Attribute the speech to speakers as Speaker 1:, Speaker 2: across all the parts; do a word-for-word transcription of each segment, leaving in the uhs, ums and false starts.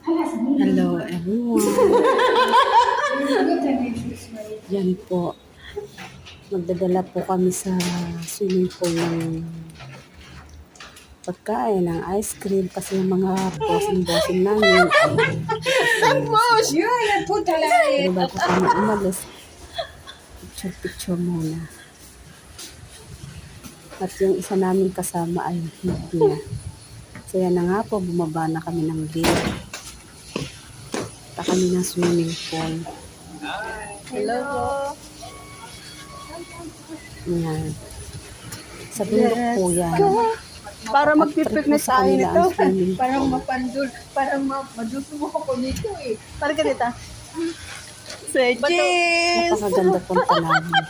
Speaker 1: Hello everyone. Yan po. Magdadala po kami sa swimming pool ng pagkain, ng ice cream kasi yung mga bossing-bossing namin ay pero bago kami umalis, picture-picture muna. At yung isa namin kasama ay hindi na. So yan na nga po, bumaba na kami ng lift. Punta kami ng swimming pool.
Speaker 2: Hello po.
Speaker 1: Yan. Sa bundok po yan.
Speaker 2: Para magpipiknis
Speaker 1: Sa
Speaker 2: tayo
Speaker 1: kanila
Speaker 2: nito.
Speaker 1: ang swimming pool.
Speaker 3: Parang mapandul, parang madusumo ako nito eh.
Speaker 2: Para ganito. Say cheese!
Speaker 1: Napakaganda punta namin.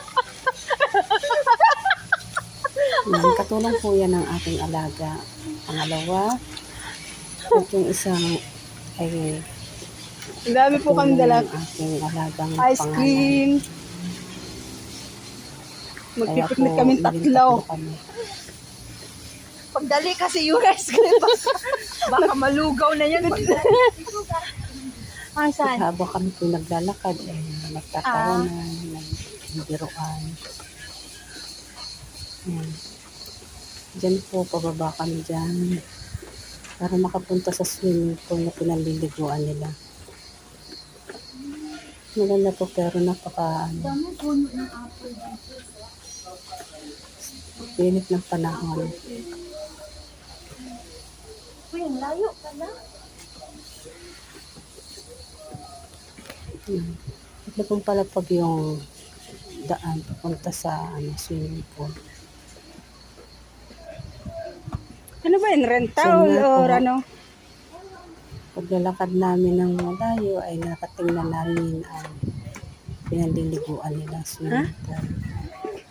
Speaker 1: Yan, katulong po yan ng aking alaga. Pangalawa, at yung isang ay
Speaker 2: Ang dami po kami dala.
Speaker 1: ng aking alagang
Speaker 2: Ice
Speaker 1: pangalan.
Speaker 2: cream.
Speaker 1: Kaya
Speaker 2: Magpipiknik
Speaker 1: po,
Speaker 2: kami
Speaker 1: naging
Speaker 2: tatlo.
Speaker 1: kami.
Speaker 3: Pagdali kasi yung ice cream. Baka malugaw na yan. Ah, saan?
Speaker 1: Habang kami po naglalakad, eh, nagtatawanan, nagbiruan. Yan. Diyan po, pababa kami dyan. Para makapunta sa swimming pool na pinaliliguan nila. Maganda po pero napaka ano,
Speaker 3: Dami puno ng apple dito.
Speaker 1: pinit ng panahon.
Speaker 3: Uy, ang layo pala.
Speaker 1: Hmm. Ito pong pala pag yung daan papunta sa ano, swimming pool.
Speaker 2: Ano ba yun?
Speaker 1: So,
Speaker 2: Rental
Speaker 1: nga
Speaker 2: or
Speaker 1: po.
Speaker 2: ano?
Speaker 1: Paglalakad namin ng malayo ay nakatingnan namin ang pinaliliguan nila swimming pool.